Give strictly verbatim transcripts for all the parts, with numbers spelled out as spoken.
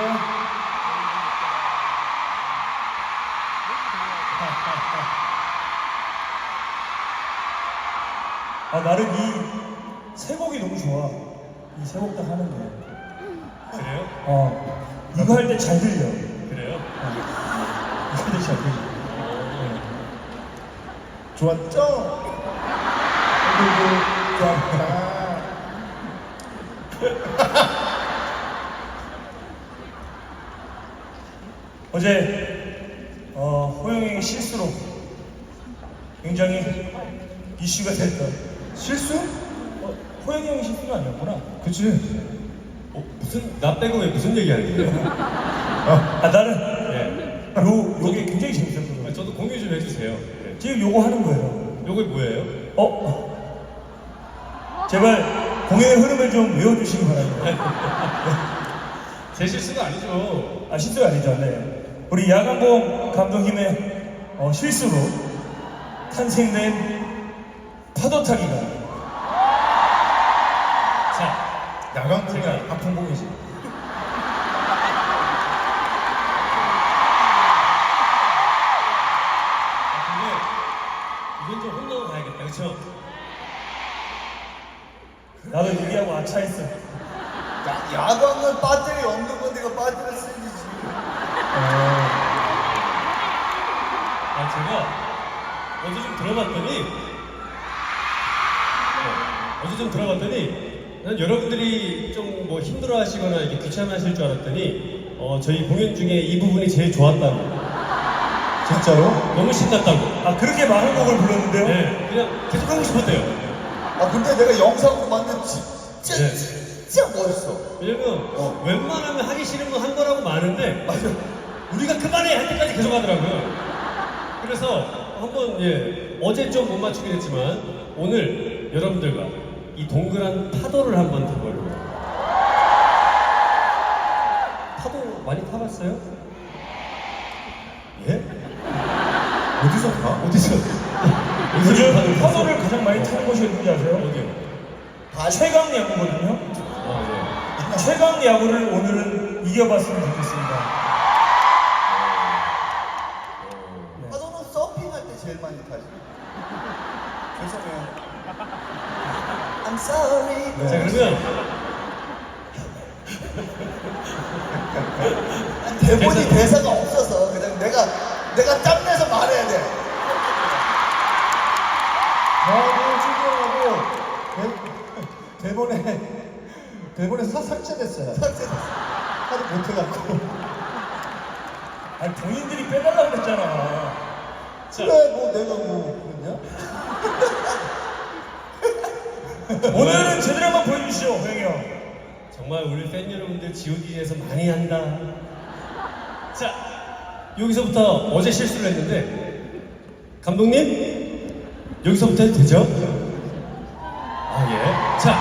아, 나는 이 세 곡이 너무 좋아. 이 세 곡 다 하는 게. 그래요? 어, 이거 할 때 잘 들려. 그래요? 어. 이거 할 때 잘 들려. 네. 좋았죠? 그리고 좋았다. 어제 어, 호영이의 실수로 굉장히 이슈가 됐던 실수? 어, 호영이 형이 실수가 아니었구나. 그치. 어, 무슨 나 빼고 왜 무슨 얘기하는 거예요? 아, 나는 네. 요, 요게 굉장히 재밌었거든요. 아, 저도 공유 좀 해주세요. 네. 지금 요거 하는 거예요. 요거 뭐예요? 어? 제발 공연의 흐름을 좀 외워주시기 바랍니다. 제 실수가 아니죠. 아, 실수가 아니죠. 네. 우리 야간봉 감독님의 어, 실수로 탄생된 파도타기가. 자, 야광봉이 제가- 박풍봉이지. 아, 근데 이건 좀 혼나고 가야겠다, 그렇죠? 나도 얘기하고 아차했어. 야, 야광은 배터리 없는 건데 이거 배터리 쓰기지. 아, 제가 어제 좀 들어봤더니 어, 어제 좀 들어봤더니 난 여러분들이 좀 뭐 힘들어하시거나 이렇게 귀찮아하실 줄 알았더니 어, 저희 공연 중에 이 부분이 제일 좋았다고. 진짜로? 너무 신났다고. 아, 그렇게 많은 곡을 불렀는데요? 네, 그냥 계속 하고 싶었대요. 아 근데 내가 영상으로 봤는데 진짜 네. 진짜 멋있어. 왜냐면 어. 웬만하면 하기 싫은 건 한 거라고 많은데 맞아. 우리가 그만해 할 때까지 계속 하더라고요. 그래서 한번 예 어제 좀 못 맞추긴 했지만 오늘 여러분들과 이 동그란 파도를 한번 타보려고. 파도 많이 타봤어요? 예? 어디서 가? 어디서? 요즘 파도를 가장 많이 타는 곳이 어딘지 아세요? 어디요? 발 최강 야구거든요. 아 최강 야구를 오늘은 이겨봤으면 좋겠습니다. 네. 파도는 서핑할 때 제일 많이 타지. 죄송해요. I'm sorry. 예. 자 그러면 대본이 그래서- 대사가 없어서 그냥 내가 내가 짬내서 말해야 돼. 나도 출연하고 대, 대본에 대본에 사 삭제됐어요. 삭제. 하도 못해갖고. 아니, 본인들이 빼달라고 그랬잖아. 자 그래 뭐 내가 뭐 그랬냐? 오늘은 제대로 한번 보여주시죠, 호영이 형. 정말 우리 팬 여러분들 지우기 위해서 많이 한다. 자, 여기서부터 어제 실수를 했는데 감독님 여기서부터 해도 되죠? 아 예. 자,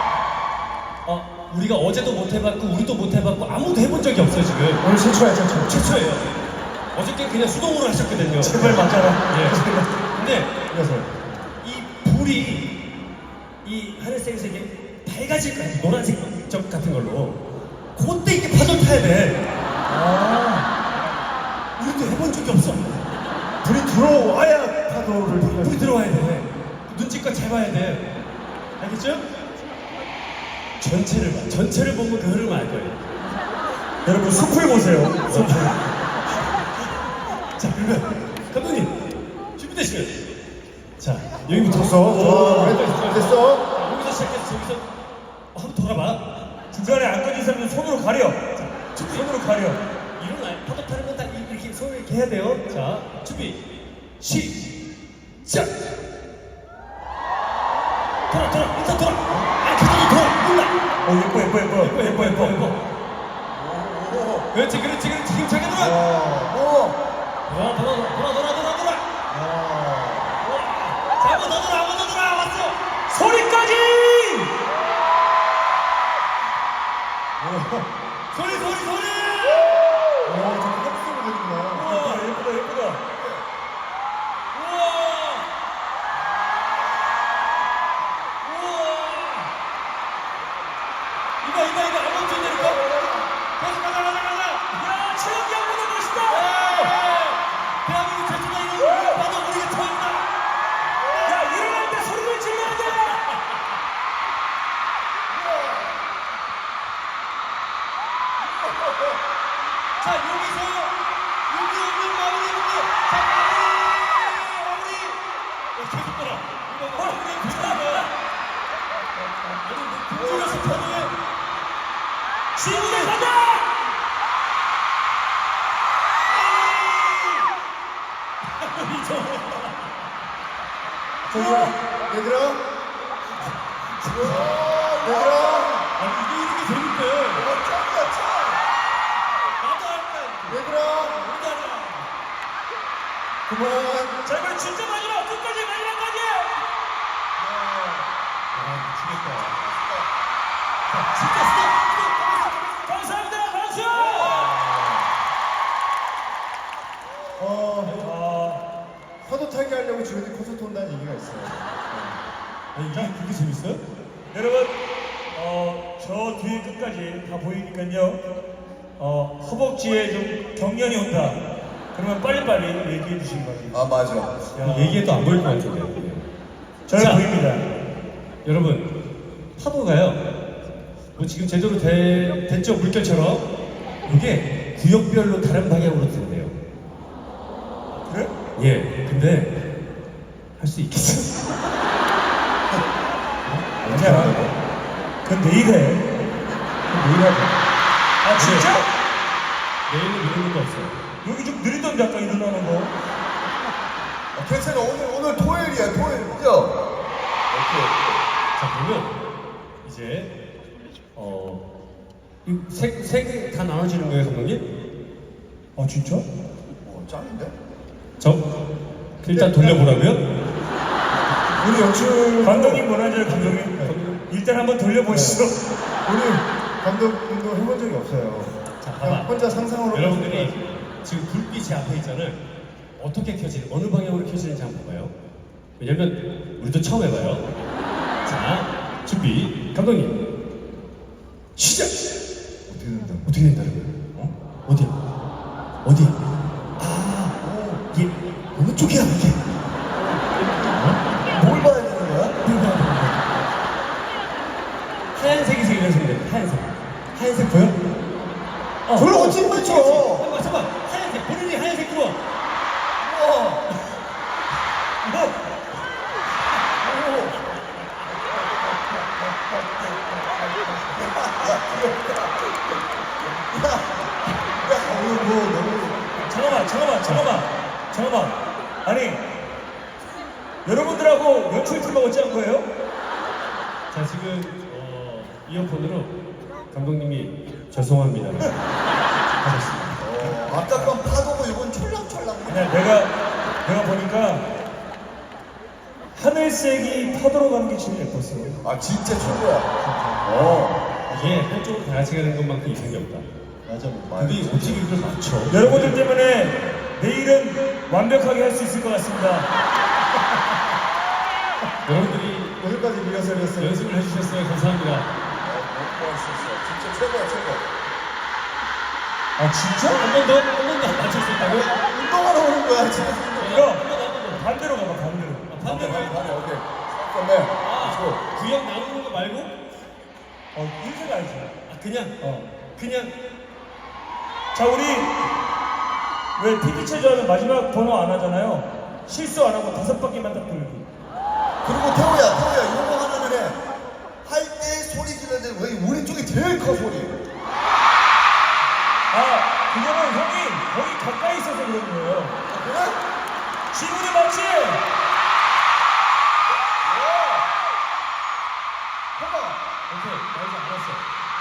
어, 우리가 어제도 못 해봤고 우리도 못 해봤고 아무도 해본 적이 없어 지금. 오늘 최초야 최초. 최초예요. 어저께 그냥 수동으로 하셨거든요. 제발 맞아라. 예. 근데 그래서 이 불이 이 하늘색에서 이게 밝아질 거야. 노란색 적 같은 걸로. 그때 이게 파도를 타야 돼. 아, 우리도 해본 적이 없어. 불이 들어와야 파도를 타는 불이 들어와야 돼. 눈치껏 잘 봐야 돼. 알겠죠? 전체를 봐. 전체를 보면 그 흐름을 알 거예요. 여러분 숲을 보세요. 숲을. 자, 그러면 감독님 준비되시면 자 여기부터 됐어. 어, 됐어. 됐어. 자, 여기서 시작해서 여기서 어, 한번 돌아봐. 중간에 안 꺼진 사람은 손으로 가려. 손으로 가려. 일어나. 파도 타는 건 딱 이렇게 손을 이렇게 해야 돼요. 자, 준비. 시작. 돌아, 돌아, 일단 돌아. 아, 계속 돌아. 몰라. 어, 예뻐, 예뻐, 예뻐. 예뻐, 예뻐, 예뻐, 예뻐. 그렇지, 그렇지, 그렇지. 힘차게 돌아. 어. 돌아, 돌아, 돌아, 돌아, 돌아, 돌아. 어. 자, 한번 더 돌아, 한번 더 돌아. 왔어. 소리까지! 소리, 소리, 소리. 와 저거 합성이 되는구나. 예쁘다, 예쁘다, 예쁘다. 우와. 우와. 이거, 이거, 이거. 아무것도 있냐니까. 계속 가자, 가자, 가자. 자, 여기서 여기 없는 마무리입니다. 자, 마무리! 마무리! 야, 계속 돌아. 이거 마무리 계속 돌아. 아니, 뭐, 공중에서 터널에 지구대 가자! 저기요, 얘들아. 얘들아. 아니, 이게 이렇게 재밌대. 어, 짱이야, 짱. 나도 할까? 얘들아. 그만. 자, 이번 진짜 마지막 끝까지 마지막까지. 아, 미치겠다. 진짜 스톱! 감사합니다. 박수! 어, 파도 타기 하려고 주변에 콘서트 온다는 얘기가 있어요. 아니, 이게 그렇게 재밌어요? 여러분, 어, 저 뒤에 끝까지 다 보이니까요. 어, 허벅지에 좀 경련이 온다. 그러면 빨리빨리 얘기해 주시기 바랍니다. 아, 맞아. 야, 얘기해도 안 보일 것 같은데요. 저는 자. 보입니다. 여러분, 파도가요. 뭐 지금 제대로 되, 됐죠? 물결처럼. 이게 구역별로 다른 방향으로 된대요. 그래? 예, 근데 할 수 있겠어? 아니야. 그건 내일 해. 그건 내일 하자. 아, 진짜? 내일은 이런 것도 없어요. 여기 좀 느리던데, 아까 일어나는 거. 아, 괜찮아. 오늘, 오늘 토요일이야, 토요일. 그죠? 자, 그러면 이제 어, 세개 다 나눠지는 거예요, 감독님? 아, 진짜? 어, 짱인데? 저 일단 돌려보라고요? 우리 연출 감독님 원하죠, 감독님? 일단 한번 돌려보시죠. 우리 감독님도 해본 적이 없어요. 자, 그냥 봐봐. 혼자 상상으로. 여러분들이 지금 불빛이 제 앞에 있잖아요. 어떻게 켜지는, 어느 방향으로 켜지는지 한번 봐봐요. 왜냐면 우리도 처음 해봐요. 자, 준비. 감독님, 시작! 어떻게 된다? 어떻게 된다는 거예요? 어? 어디? 어디? 아, 이게 어느 쪽이야, 이게? 뭘 봐야 되는 거야? 하얀색이 이래서 그래, 하얀색. 하얀색 보여? 어, 그걸 어찌 맞춰? 잠깐만, 잠깐만. 하얀색, 본인이 하얀색 들어. 우와. 뭐? 야, 오늘 뭐, 너무. 잠깐만, 잠깐만, 잠깐만, 잠깐만. 아니, 여러분들하고 연출팀하고 짠 거예요? 자, 지금 어, 이어폰으로 감독님이 죄송합니다. 하셨습니다. 어, 아까 건 파도고 이건 철랑철랑. 그냥 내가, 내가 보니까 하늘색이 파도로 가는 게 제일 예뻤어. 아, 진짜 최고야. 어. 이게 한쪽으로 다 같이 가는 것만큼 이상이 없다. 맞아, 뭐. 근데 어떻게 이걸 맞춰? 여러분들 때문에 내일은 완벽하게 할 수 있을 것 같습니다. 여러분들이 오늘까지 리허설이었어요. 연습을 해주셨어요. 감사합니다. 뭐 했었어. 진짜 최고야, 최고. 아, 진짜? 한 번 더, 한 번 더 맞출 수 있다고요? 운동하러 오는 거야, 진짜. 그럼 반대로 가봐, 반대로. 반대로. 반대, 반대, 오케이. 잠깐만. 아, 구역 나누는 거 말고? 어, 이렇게 가야지. 아, 그냥, 어. 그냥. 자, 우리 왜 피피 체조하면 마지막 번호 안 하잖아요. 실수 안 하고 다섯 바퀴만 딱 돌기. 그리고 태호야, 태호야, 이런 거 하나는 해. 할 때 소리 지르는데 왜 우리 쪽이 제일 커, 소리. 아, 그거는 형이 거기 가까이 있어서 그런 거예요. 그래? 지문이 맞지? 해봐. 오케이, 나 이제 알았어.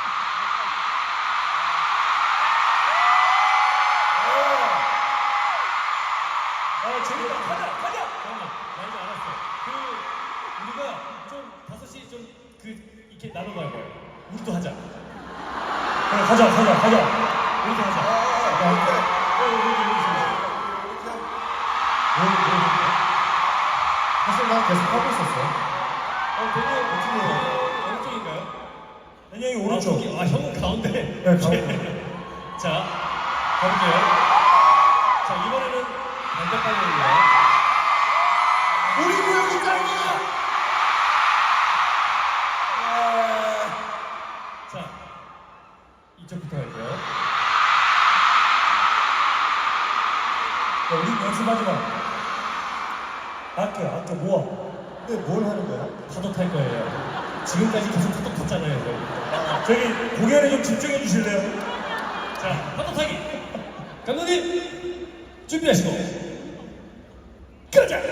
아, 재밌다. 가자, 가자. 잠깐만, 나 이제 알았어. 그, 우리가 좀, 다섯 시 좀, 그, 이렇게 나눠봐요. 우리도 하자. 그래, 가자, 가자, 가자. 우리도 하자. 아, 아, 어, 우리도, 우리도, 우리도. 사실 난 계속 하고 있었어. 어, 되게 어떻게 해요? 어느 쪽인가요? 현영이 아, 오른쪽. 저기, 아, 형은 가운데. 네, 가운데. 자, 가볼게요. 자, 이번에는 반대 방향입니다. 우리 구역이 짱이야! 자, 이쪽부터 할게요. 마지막. 아껴, 아껴 모아. 근데 뭘 하는 거야? 파도 탈 거예요. 지금까지 계속 톡톡 탔잖아요. 저희. 저기 공연에 좀 집중해 주실래요? 자, 파도 타기. 감독님 준비하시고 가자.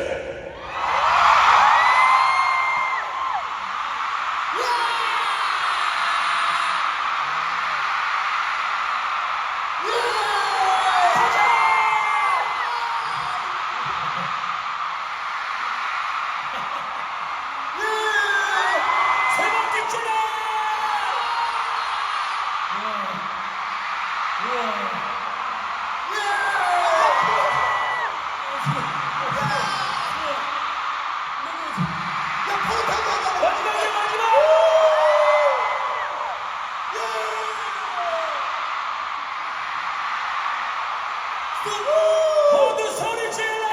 세 번째 줄에. 마지막이야 마지막. 모두 소리 질러.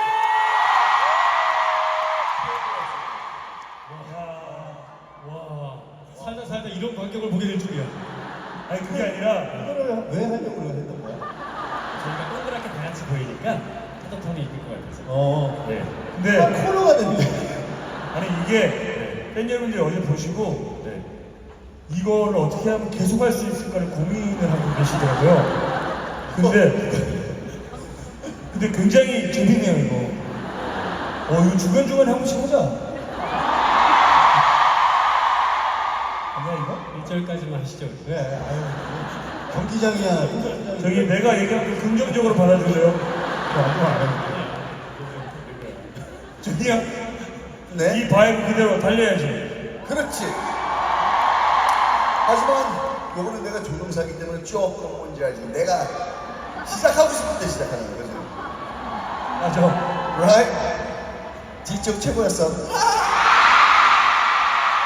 와, 살다 살다 이런 광경을 보게 될 줄이야. 아니 그게 아니라 이거를 왜 하려고 했던 거야? 저희가 동그랗게 다 같이 보이니까 파도텀이 있을 것 같아서. 어. 네. 아, 근데 코너가 됐네. 아니 이게 팬 여러분들이 어제 보시고 네. 이거를 어떻게 하면 계속 할 수 있을까를 고민을 하고 계시더라고요. 근데 근데 굉장히 재밌네요 이거. 어 이거 중간 중간에 한 번씩 하자. 아니야 이거? 일 절까지만 하시죠. 그래, 아유. 경기장이야. 콘서트장이야. 저기 내가 얘기한 거 긍정적으로 받아줄래요? 아무도 안 하는데. 준이 형, 네? 이 바이브 그대로 달려야지. 그렇지. 하지만 요거는 내가 조종사기 때문에 조금 뭔지 알지. 내가 시작하고 싶을 때 시작하는 거거든. 맞아. Right? 뒤쪽 최고였어.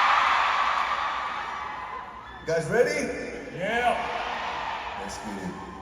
Guys ready? 예. Let's get it.